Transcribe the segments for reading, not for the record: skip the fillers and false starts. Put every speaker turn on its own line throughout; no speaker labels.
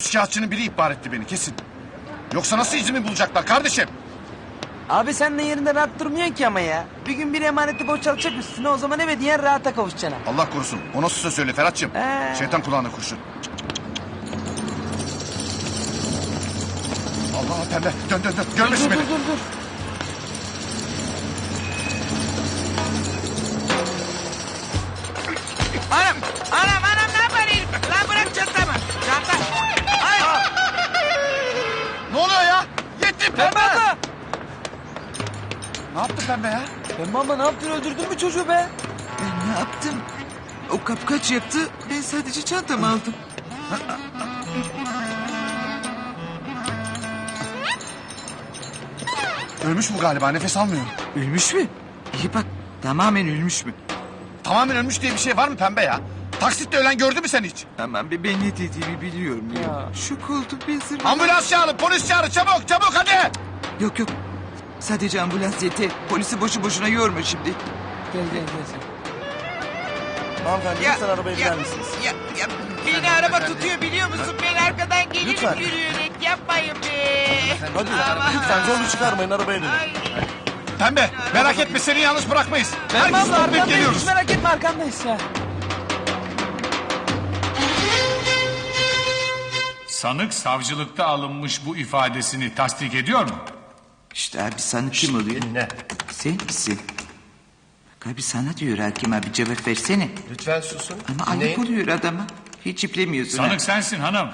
Üçkağıtçının biri ihbar etti beni kesin. Yoksa nasıl izimi bulacaklar kardeşim?
Abi sen de yerinde rahat durmuyorsun ki ama ya. Bir gün bir emaneti boşaltacak üstüne, o zaman eve diyen rahata kavuşacaksın.
Allah korusun. O nasıl söz söyle Ferhat'cığım? Şeytan kulağına kurşun. Allah pembe. Dön. Görmesin beni.
Dur.
Anam ne yapar herif? Lan bırak çantamı. Çanta. Ay.
Ne oluyor ya? Yetti pembe.
Pembe abla!
Ne yaptı pembe ya?
Pembe abla ne yaptın, öldürdün mü çocuğu be?
Ben ne yaptım? O kapkaç yaptı. Ben sadece çantamı aldım.
Ölmüş bu galiba, nefes almıyor.
Ölmüş mü? İyi bak. Tamamen ölmüş mü?
Tamamen ölmüş diye bir şey var mı pembe ya? Taksitle ölen gördü mü sen hiç?
Tamam be, ben ne dediğimi biliyorum ya. Şok oldum ben zırhım.
Ambulans çağırın, polis çağırın, çabuk hadi.
Yok. Sadece ambulans yeter. Polisi boşu boşuna yorma şimdi.
Gel.
Hanımefendi lütfen arabaya biner misiniz?
Ya beni araba tutuyor biliyor musun? Ben arkadan gelirim
Lütfen.
yürüyerek. Yapmayın be.
Hadi
Aman.
lütfen zorluk çıkarmayın, arabaya binin.
Ay.
Pembe, merak etme seni yalnız bırakmayız.
Pembe
Herkes
abla
toplayıp
arkandayız,
geliyoruz.
hiç merak etme, arkandayız ya.
Sanık savcılıkta alınmış bu ifadesini tasdik ediyor mu?
İşte abi sana kim oluyor?
Dinle.
Sen misin? Bak abi sana diyor hakim abi, cevap versene.
Lütfen susun.
Ama ayıp oluyor adama. Hiç iplemiyorsun ha.
Sanık sensin hanım.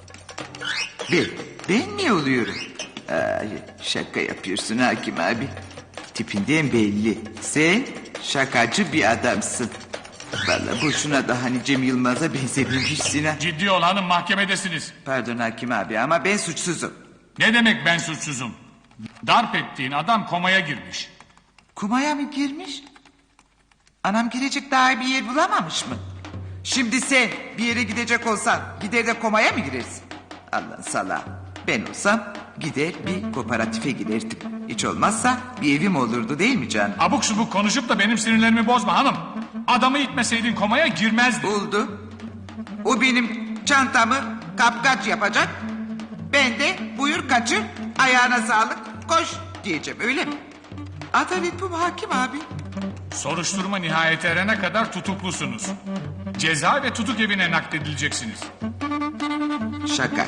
Ben mi oluyorum? Ay, şaka yapıyorsun hakim abi. Tipinden belli. Sen şakacı bir adamsın. Vallahi boşuna da hani Cem Yılmaz'a benzememişsin ha.
Ciddi ol hanım, mahkemedesiniz.
Pardon hakim abi ama ben suçsuzum.
Ne demek ben suçsuzum? Darp ettiğin adam komaya girmiş.
Kumaya mı girmiş? Anam girecek daha iyi bir yer bulamamış mı? Şimdi sen bir yere gidecek olsan gider de komaya mı girersin? Allah salağı. Ben olsam gider bir kooperatife girerdim. Hiç olmazsa bir evim olurdu değil mi canım?
Abuk subuk konuşup da benim sinirlerimi bozma hanım. Adamı itmeseydin komaya girmezdi.
Oldu. O benim çantamı kapkaç yapacak. Ben de buyur kaçır, ayağına sağlık, koş diyeceğim, öyle mi? Adalet bu mu hakim abi?
Soruşturma nihayete erene kadar tutuklusunuz. Ceza ve tutuk evine nakledileceksiniz.
Şaka.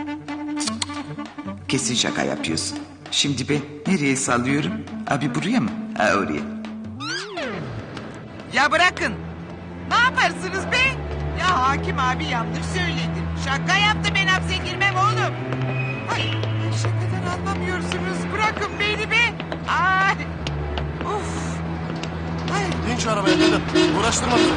Kesin şaka yapıyorsun. Şimdi ben nereye sallıyorum? Abi buraya mı? Ha oraya. Ya bırakın. Ne yaparsınız be? Ya hakim abi yanlış söyledi. Şaka yaptı, ben hapse girmem oğlum. Ay, şakadan anlamıyorsunuz. Bırakın beni be. Ay. Of. Ay.
Bin şu arabaya, binin. Uğraştırma bizi.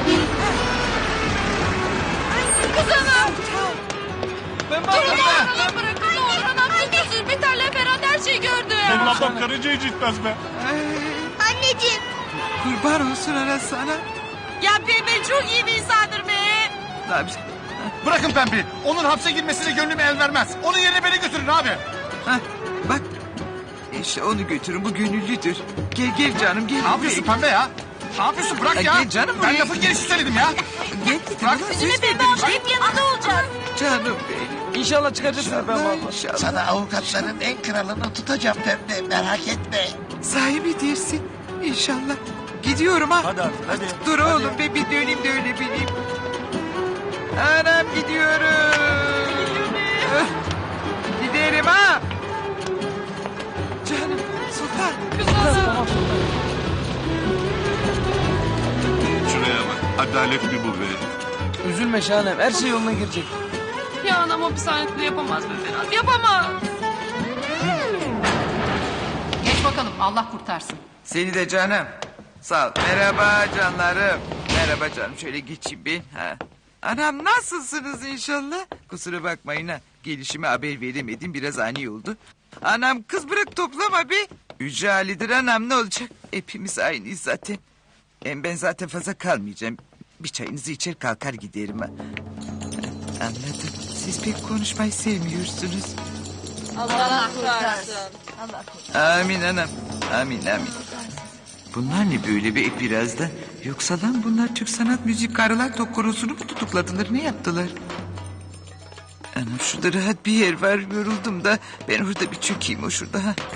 Pembe abla!
Bırakın bırakın, Orhan amca gözü Biter'le Ferhat her şeyi gördü.
Benim ablam karıncayı cidmez be.
Anneciğim.
Kurban olsun ana sana.
Ya Pembe çok iyi bir insandır be.
Ne yapacağım?
Bırakın pembeyi. Onun hapse girmesine gönlüm el vermez. Onun yerine beni götürün abi.
Hah, bak. İşte onu götürün, bu gönüllüdür. Gel canım gel.
Ne yapıyorsun pembe ya? Ne yapıyorsun? Bırak
Ay,
ya.
gel canım
Ben
buraya.
lafın gelişi söyledim ya.
Gel
Bırak.
Üzülme Pembe abla hep yanında olacak.
canım benim.
İnşallah çıkacaksın Pembe abla.
İnşallah.
Sana avukatların en kralını tutacağım Pembe, merak etme.
Sahibi dersin. İnşallah. Gidiyorum ha.
Hadi artık, hadi.
Dur
Hadi.
oğlum be, bir döneyim de öyle bileyim. Anam gidiyorum. Giderim ha. Canım Sultan.
Şuraya bak. Adalet mi bu be?
Üzülme Şahanem, her şey yoluna girecek.
Ya anam hapishanede yapamaz be Ferhat, yapamaz.
Geç bakalım, Allah kurtarsın.
Seni de canım. Sağ ol. Merhaba canlarım. Merhaba canım. Şöyle geçeyim bir. Ha. Anam nasılsınız inşallah? Kusura bakmayın ha. Gelişime haber veremedim. Biraz ani oldu. Anam kız bırak toplama be. Yüce Ali'dir anam, ne olacak? Hepimiz aynıyız zaten. Hem ben zaten fazla kalmayacağım. Bir çayınızı içer kalkar giderim ha. Anladım. Siz pek konuşmayı sevmiyorsunuz.
Allah kurtarsın.
Amin anam. Amin. Bunlar ne böyle be birazdan? Yoksa lan bunlar Türk Sanat Müzik Karılar Tok Korosu'nu mu tutukladılar? Ne yaptılar? Anam şurada rahat bir yer var, yoruldum da ben orada bir çökeyim o şurada. Ha.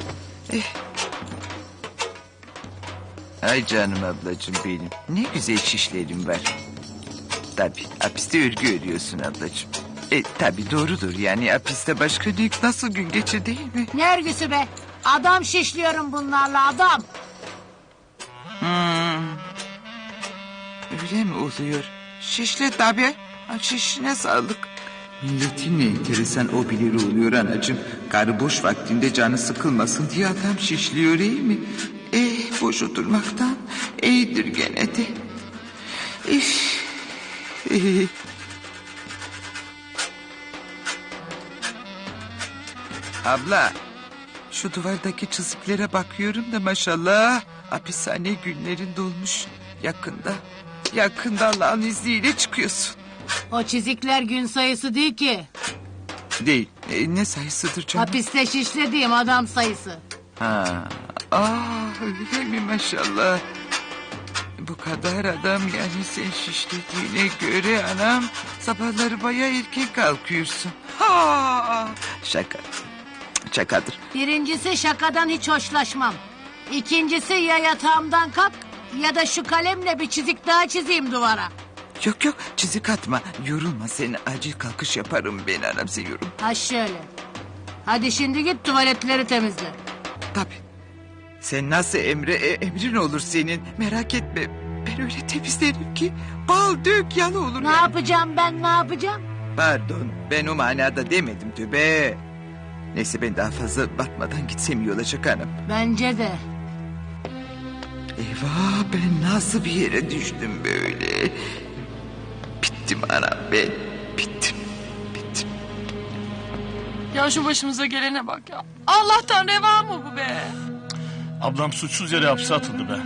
Ay canım ablacığım benim. Ne güzel şişlerim var. Tabii hapiste örgü örüyorsun ablacığım. Tabii doğrudur yani hapiste başka ne, nasıl gün geçir değil mi?
Ne örgüsü be? Adam şişliyorum bunlarla adam.
Öyle mi oluyor? Şişle tabii. Şişine sağlık. Milletin ne enteresan o bilir oluyor anacığım. Karı boş vaktinde canı sıkılmasın diye adam şişliyor iyi mi? Boş oturmaktan iyidir gene de. Abla, şu duvardaki çiziklere bakıyorum da maşallah hapishane günlerin dolmuş yakında. Yakında Allah'ın izniyle çıkıyorsun.
O çizikler gün sayısı değil ki.
Değil. Ne sayısıdır canım?
Hapiste şişlediğim adam sayısı.
Ha. Öyle mi maşallah. Bu kadar adam yani sen şişlediğine göre anam sabahları bayağı erken kalkıyorsun. Şaka. Şakadır.
Birincisi şakadan hiç hoşlaşmam. İkincisi ya yatağımdan kalk ya da şu kalemle bir çizik daha çizeyim duvara.
Yok çizik atma. Yorulma sen acil kalkış yaparım ben anam sen yorulma.
Ha şöyle. Hadi şimdi git tuvaletleri temizle.
Tabii. Sen nasıl emrin olur senin merak etme. Ben öyle temizlerim ki bal dök yalı olur.
Ne yapacağım ben ne yapacağım?
Pardon ben o manada demedim tövbe. Neyse ben daha fazla batmadan gitsem iyi olacak hanım.
Bence de.
Eyvah ben nasıl bir yere düştüm böyle. Bittim anam ben bittim.
Ya şu başımıza gelene bak ya. Allah'tan reva mı bu be?
Ablam suçsuz yere hapse atıldı be.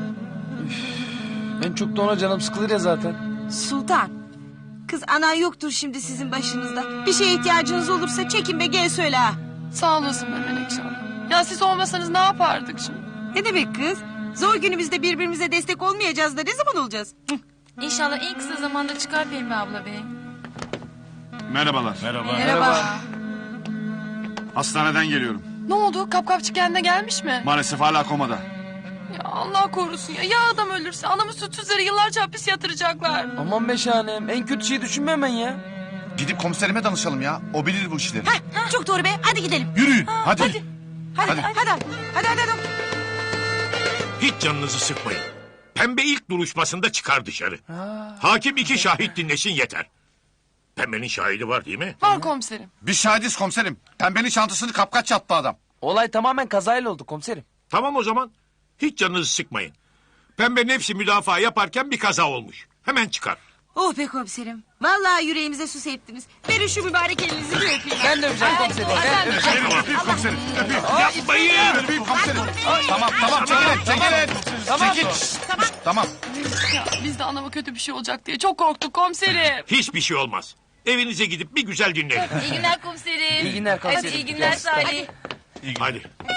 En çok da ona canım sıkılır ya zaten.
Sultan. Kız anan yoktur şimdi sizin başınızda. Bir şeye ihtiyacınız olursa çekin be gel söyle ha.
Sağ olasın be Menekşe Hanım. Ya siz olmasanız ne yapardık şimdi?
Ne demek kız? Zor günümüzde birbirimize destek olmayacağız da ne zaman olacağız?
İnşallah en kısa zamanda çıkar Pembe abla bey.
Merhabalar.
Merhaba.
Hastaneden geliyorum.
Ne oldu? Kapkapçı kendine gelmiş mi?
Maalesef hala komada.
Ya Allah korusun ya. Ya adam ölürse anamı suçsuz yere yıllarca hapis yatıracaklar.
Aman be şahanem en kötü şeyi düşünme hemen ya.
Gidip komiserime danışalım ya. O bilir bu işleri.
Çok doğru be hadi gidelim.
Yürüyün hadi.
Hadi.
Hiç canınızı sıkmayın. Pembe ilk duruşmasında çıkar dışarı. Hakim 2 şahit dinlesin yeter. Pembenin şahidi var değil mi?
Var komiserim.
Biz şahidiz komiserim. Pembenin çantasını kapkaç yattı adam.
Olay tamamen kazayla oldu komiserim.
Tamam o zaman. Hiç canınızı sıkmayın. Pembe nefsi müdafaa yaparken bir kaza olmuş. Hemen çıkar.
Oh be komiserim. Vallahi yüreğimize su serptiniz. Verin şu mübarek elinizi bir öpeyim.
Ben de öpeceğim komiserim. Ben de öpeceğim.
Öpeyim komiserim. Öpeyim.
Yapmayın.
Öpeyim komiserim. Tamam çekilin.
Tamam.
Çekil. Tamam.
Ya biz de anama kötü bir şey olacak diye çok korktuk komiserim.
Hiçbir şey olmaz. Evinize gidip bir güzel dinlenin.
İyi günler komiserim.
İyi günler komiserim.
Hadi iyi günler Salih.
Hadi.